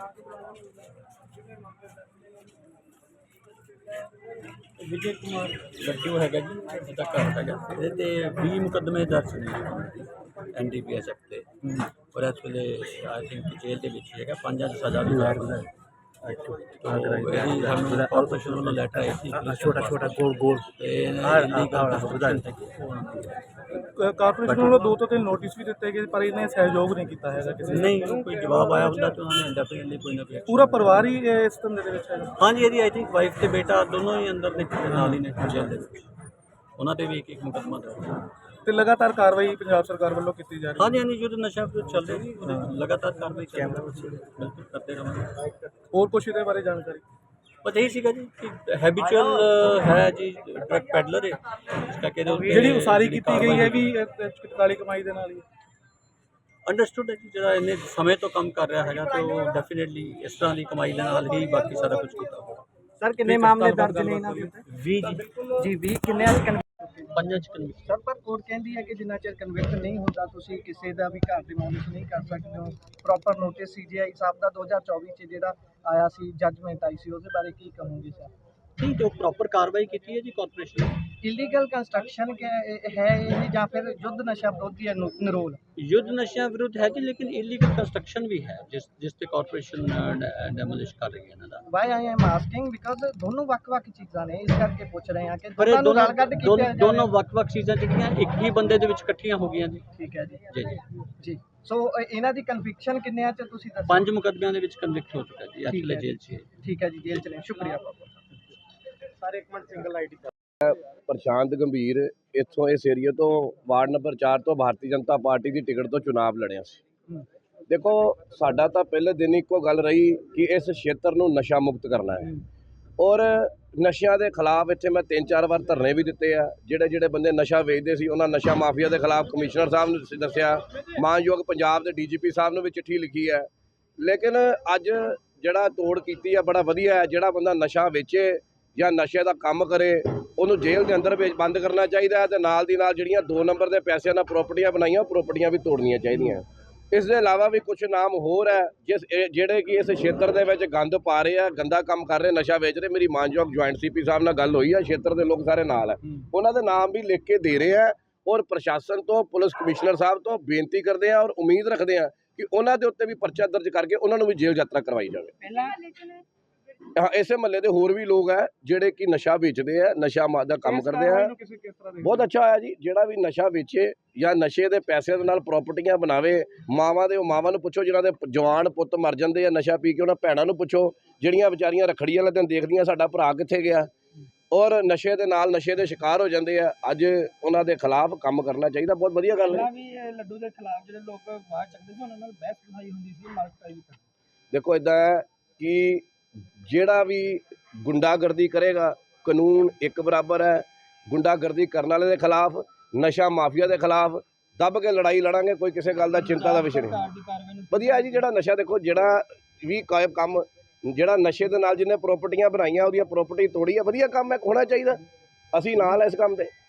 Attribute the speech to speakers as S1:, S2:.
S1: विजय कुमार लड्डू है जी, उसका घर है। ये 20 मुकदमे दर्ज ने NDPS एक्ट से, और इस वे आई थिंक जेल के 5 सज़ा भी है। कॉरपोरेशन वालों लैटर आई थी,
S2: छोटा छोटा गोल गोल
S3: ਕਾਰਪੋਰੇਸ਼ਨ ਵੱਲੋਂ 2 ਤੋਂ 3 ਨੋਟਿਸ ਵੀ ਦਿੱਤੇ ਗਏ ਪਰ ਇਹਨੇ ਸਹਿਯੋਗ ਨਹੀਂ ਕੀਤਾ ਹੈਗਾ ਕਿਸੇ ਨੇ।
S1: नहीं कोई जवाब आया ਹੁੰਦਾ तो उन्होंने डेफिनेटली कोई ना कोई
S3: ਪੂਰਾ ਪਰਿਵਾਰ ਹੀ ਇਸ ਧੰਦੇ ਦੇ ਵਿੱਚ ਹੈਗਾ।
S1: हाँ जी, आई थिंक वाइफ ਤੇ ਬੇਟਾ ਦੋਨੋਂ ਹੀ ਅੰਦਰ ਨੇ, ਨਾਲ ਹੀ ਨੇ ਜੇਲ੍ਹ ਦੇ ਵਿੱਚ। ਉਹਨਾਂ ਤੇ ਵੀ ਇੱਕ ਮੁਕੱਦਮਾ ਦਰਜ।
S3: ਤੇ ਲਗਾਤਾਰ ਕਾਰਵਾਈ ਪੰਜਾਬ ਸਰਕਾਰ ਵੱਲੋਂ ਕੀਤੀ ਜਾ ਰਹੀ ਹੈ।
S1: हाँ जी, हाँ जी, जो नशा विरोध चल रही है लगातार कार्रवाई बिल्कुल करते रहेंगे।
S3: ਹੋਰ ਕੁਛ ਇਹਦੇ ਬਾਰੇ ਜਾਣਕਾਰੀ?
S1: बस यही सीगा जी कि हैबिचुअल है जी, ड्रग पैडलर है इसका कहते
S3: ਜਿਹੜੀ ਉਸਾਰੀ ਕੀਤੀ ਗਈ ਹੈ ਵੀ ਕਾਲੀ ਕਮਾਈ ਦੇ ਨਾਲ ਹੀ
S1: ਅੰਡਰਸਟੂਡ ਹੈ ਜੀ। ਜਿਹੜਾ ਇਹਨੇ ਸਮੇਂ ਤੋਂ ਕੰਮ ਕਰ ਰਿਹਾ ਹੈਗਾ ਤੇ ਉਹ ਡੈਫੀਨਿਟਲੀ ਇਸ ਤਰ੍ਹਾਂ ਦੀ ਕਮਾਈ ਦੇ ਨਾਲ ਹੀ ਬਾਕੀ ਸਾਰਾ ਕੁਝ ਕੀਤਾ ਹੋਊਗਾ।
S2: ਸਰ ਕਿੰਨੇ ਮਾਮਲੇ ਦਰਜ ਨੇ ਇਹਨਾਂ ਦੇ ਉੱਤੇ?
S1: 20
S2: ਜੀ 20 ਕਿੰਨੇ ਅੱਜ
S1: ਪੰਜਾਂ ਚ ਕਨਵਿਕਟ।
S2: ਸਰ ਪਰ ਕੋਰਟ ਕਹਿੰਦੀ ਹੈ ਕਿ ਜਿੰਨਾ ਚਿਰ ਕਨਵਿਕਟ ਨਹੀਂ ਹੁੰਦਾ ਤੁਸੀਂ ਕਿਸੇ ਦਾ ਵੀ ਘਰ ਡਿਮੋਲਿਸ਼ ਨਹੀਂ ਕਰ ਸਕਦੇ ਹੋ। ਪ੍ਰੋਪਰ ਨੋਟਿਸ CGI ਸਾਹਿਬ ਦਾ 2024 ਚ ਜਿਹੜਾ ਆਇਆ ਸੀ, ਜੱਜਮੈਂਟ ਆਈ ਸੀ, ਉਹਦੇ ਬਾਰੇ ਕੀ ਕਹੋਗੇ ਸਰ?
S1: ਠੀਕ ਹੈ, ਪ੍ਰੋਪਰ ਕਾਰਵਾਈ ਕੀਤੀ ਹੈ ਜੀ ਕਾਰਪੋਰੇਸ਼ਨ ਨੇ।
S2: ਇਲੀਗਲ ਕੰਸਟਰਕਸ਼ਨ ਹੈ ਇਹ ਜਾਂ ਫਿਰ ਯੁੱਧ ਨਸ਼ਾ ਵਿਰੋਧੀ ਨਿਰੋਲ?
S1: युद्ध नशा विरुद्ध है जी, लेकिन इलीगल कंस्ट्रक्शन भी है जिस ਤੇ ਕਾਰਪੋਰੇਸ਼ਨ ਡੈਮੋਲਿਸ਼ ਕਰ ਰਹੀ ਹੈ ਇਹਨਾਂ ਦਾ।
S2: Why I am asking because ਦੋਨੋਂ ਵੱਖ-ਵੱਖ ਚੀਜ਼ਾਂ ਨੇ, ਇਸ ਕਰਕੇ ਪੁੱਛ ਰਹੇ ਹਾਂ ਕਿ
S1: ਪਰ ਇਹ
S2: ਦੋਨੋਂ ਰਲ ਕੱਢ ਕੇ
S1: ਦੋਨੋਂ ਵੱਖ-ਵੱਖ ਚੀਜ਼ਾਂ ਜਿਹੜੀਆਂ ਇੱਕ ਹੀ ਬੰਦੇ ਦੇ ਵਿੱਚ ਇਕੱਠੀਆਂ ਹੋ ਗਈਆਂ ਜੀ।
S2: ਠੀਕ ਹੈ ਜੀ
S1: ਜੀ ਜੀ
S2: ਜੀ। ਸੋ ਇਹਨਾਂ ਦੀ ਕਨਵਿਕਸ਼ਨ ਕਿੰਨਿਆਂ ਚ ਤੁਸੀਂ ਦੱਸੋ?
S1: 5 ਮੁਕੱਦਮਿਆਂ ਦੇ ਵਿੱਚ ਕਨਵਿਕਟ ਹੋ ਚੁੱਕਾ ਜੀ, ਐਕਚੁਅਲੀ ਜੇਲ੍ਹ 'ਚ ਹੈ।
S2: ਠੀਕ ਹੈ ਜੀ, ਜੇਲ੍ਹ ਚ ਨੇ। ਸ਼ੁਕਰੀਆ ਬਹੁਤ। ਸਾਰੇ ਇੱਕ ਮਿੰਟ ਸਿੰਗਲ ਆਈਡੀ
S4: ਪ੍ਰਸ਼ਾਂਤ ਗੰਭੀਰ ਇੱਥੋਂ ਇਸ ਏਰੀਏ ਤੋਂ ਵਾਰਡ ਨੰਬਰ 4 ਤੋਂ ਭਾਰਤੀ ਜਨਤਾ ਪਾਰਟੀ ਦੀ ਟਿਕਟ ਤੋਂ ਚੁਣਾਵ ਲੜਿਆ ਸੀ। ਦੇਖੋ ਸਾਡਾ ਤਾਂ ਪਹਿਲੇ ਦਿਨ ਇੱਕੋ ਗੱਲ ਰਹੀ ਕਿ ਇਸ ਖੇਤਰ ਨੂੰ ਨਸ਼ਾ ਮੁਕਤ ਕਰਨਾ ਹੈ, ਔਰ ਨਸ਼ਿਆਂ ਦੇ ਖਿਲਾਫ ਇੱਥੇ ਮੈਂ 3-4 ਵਾਰ ਧਰਨੇ ਵੀ ਦਿੱਤੇ ਆ। ਜਿਹੜੇ ਬੰਦੇ ਨਸ਼ਾ ਵੇਚਦੇ ਸੀ ਉਹਨਾਂ ਨਸ਼ਾ ਮਾਫੀਆ ਦੇ ਖਿਲਾਫ ਕਮਿਸ਼ਨਰ ਸਾਹਿਬ ਨੂੰ ਦੱਸਿਆ, ਮਾਨਯੋਗ ਪੰਜਾਬ ਦੇ DGP ਸਾਹਿਬ ਨੂੰ ਵੀ ਚਿੱਠੀ ਲਿਖੀ ਹੈ। ਲੇਕਿਨ ਅੱਜ ਜਿਹੜਾ ਤੋੜ ਕੀਤੀ ਆ ਬੜਾ ਵਧੀਆ ਹੈ। ਜਿਹੜਾ ਬੰਦਾ ਨਸ਼ਾ ਵੇਚੇ ਜਾਂ ਨਸ਼ੇ ਦਾ ਕੰਮ ਕਰੇ ਉਹਨੂੰ ਜੇਲ੍ਹ ਦੇ ਅੰਦਰ ਵਿੱਚ ਬੰਦ ਕਰਨਾ ਚਾਹੀਦਾ ਹੈ, ਤੇ ਨਾਲ ਦੀ ਨਾਲ ਜਿਹੜੀਆਂ 2 ਨੰਬਰ ਦੇ ਪੈਸਿਆਂ ਨਾਲ ਪ੍ਰਾਪਰਟੀਆਂ ਬਣਾਈਆਂ ਉਹ ਪ੍ਰਾਪਰਟੀਆਂ ਵੀ ਤੋੜਨੀਆਂ ਚਾਹੀਦੀਆਂ। ਇਸ ਦੇ ਇਲਾਵਾ ਵੀ ਕੁਝ ਨਾਮ ਹੋਰ ਹੈ ਜਿਹੜੇ ਕਿ ਇਸ ਖੇਤਰ ਦੇ ਵਿੱਚ ਗੰਦ ਪਾ ਰਹੇ ਆ, ਗੰਦਾ ਕੰਮ ਕਰ ਰਹੇ, ਨਸ਼ਾ ਵੇਚ ਰਹੇ। ਮੇਰੀ ਮਾਨਯੋਗ ਜੁਆਇੰਟ CP ਸਾਹਿਬ ਨਾਲ ਗੱਲ ਹੋਈ ਹੈ, ਖੇਤਰ ਦੇ ਲੋਕ ਸਾਰੇ ਨਾਲ ਹੈ, ਉਹਨਾਂ ਦੇ ਨਾਮ ਵੀ ਲਿਖ ਕੇ ਦੇ ਰਹੇ ਆ। ਔਰ ਪ੍ਰਸ਼ਾਸਨ ਤੋਂ, ਪੁਲਿਸ ਕਮਿਸ਼ਨਰ ਸਾਹਿਬ ਤੋਂ ਬੇਨਤੀ ਕਰਦੇ ਆ ਔਰ ਉਮੀਦ ਰੱਖਦੇ ਆ ਕਿ ਉਹਨਾਂ ਦੇ ਉੱਤੇ ਵੀ ਪਰਚਾ ਦਰਜ ਕਰਕੇ ਉਹਨਾਂ ਨੂੰ ਵੀ ਜੇਲ੍ਹ ਯਾਤਰਾ ਕਰਵਾਈ ਜਾਵੇ। ਇਸੇ ਮਹੱਲੇ ਦੇ ਹੋਰ ਵੀ ਲੋਕ ਹੈ ਜਿਹੜੇ ਕਿ ਨਸ਼ਾ ਵੇਚਦੇ ਆ, ਨਸ਼ਾ ਦਾ ਕੰਮ ਕਰਦੇ ਆ। ਬਹੁਤ ਅੱਛਾ ਹੋਇਆ ਜੀ, ਜਿਹੜਾ ਵੀ ਨਸ਼ਾ ਵੇਚੇ ਜਾਂ ਨਸ਼ੇ ਦੇ ਪੈਸੇ ਦੇ ਨਾਲ ਪ੍ਰਾਪਰਟੀਆਂ ਬਣਾਵੇ। ਮਾਵਾਂ ਨੂੰ ਪੁੱਛੋ ਜਿਨ੍ਹਾਂ ਦੇ ਜਵਾਨ ਪੁੱਤ ਮਰ ਜਾਂਦੇ ਆ ਨਸ਼ਾ ਪੀ ਕੇ, ਉਹਨਾਂ ਭੈਣਾਂ ਨੂੰ ਪੁੱਛੋ ਜਿਹੜੀਆਂ ਵਿਚਾਰੀਆਂ ਰੱਖੜੀ ਵਾਲੇ ਦਿਨ ਦੇਖਦੀਆਂ ਸਾਡਾ ਭਰਾ ਕਿੱਥੇ ਗਿਆ, ਔਰ ਨਸ਼ੇ ਦੇ ਨਾਲ ਨਸ਼ੇ ਦੇ ਸ਼ਿਕਾਰ ਹੋ ਜਾਂਦੇ ਆ। ਅੱਜ ਉਹਨਾਂ ਦੇ ਖਿਲਾਫ ਕੰਮ ਕਰਨਾ ਚਾਹੀਦਾ। ਬਹੁਤ ਵਧੀਆ ਗੱਲ ਹੈ।
S2: ਲੱਡੂ ਦੇ ਖਿਲਾਫ ਜਿਹੜੇ ਲੋਕ ਬਾਹਰ ਚੱਕਦੇ ਸੀ ਉਹਨਾਂ ਨਾਲ ਬਹਿਸ ਬਣਾਈ ਹੁੰਦੀ ਸੀ, ਮਾਰਕਟਾਈ ਵੀ।
S4: ਦੇਖੋ ਇੱਦਾਂ ਹੈ ਕਿ ਜਿਹੜਾ ਵੀ ਗੁੰਡਾਗਰਦੀ ਕਰੇਗਾ, ਕਾਨੂੰਨ ਇੱਕ ਬਰਾਬਰ ਹੈ। ਗੁੰਡਾਗਰਦੀ ਕਰਨ ਵਾਲੇ ਦੇ ਖਿਲਾਫ, ਨਸ਼ਾ ਮਾਫੀਆ ਦੇ ਖਿਲਾਫ ਦੱਬ ਕੇ ਲੜਾਈ ਲੜਾਂਗੇ, ਕੋਈ ਕਿਸੇ ਗੱਲ ਦਾ ਚਿੰਤਾ ਦਾ ਵਿਸ਼ੇ ਨਹੀਂ। ਵਧੀਆ ਜੀ, ਜਿਹੜਾ ਨਸ਼ਾ ਦੇਖੋ ਜਿਹੜਾ ਵੀ ਕੰਮ ਜਿਹੜਾ ਨਸ਼ੇ ਦੇ ਨਾਲ ਜਿਹਨੇ ਪ੍ਰਾਪਰਟੀਆਂ ਬਣਾਈਆਂ ਉਹਦੀਆਂ ਪ੍ਰਾਪਰਟੀ ਤੋੜੀ ਹੈ, ਵਧੀਆ ਕੰਮ ਹੈ, ਹੋਣਾ ਚਾਹੀਦਾ। ਅਸੀਂ ਨਾਲ ਇਸ ਕੰਮ ਤੇ।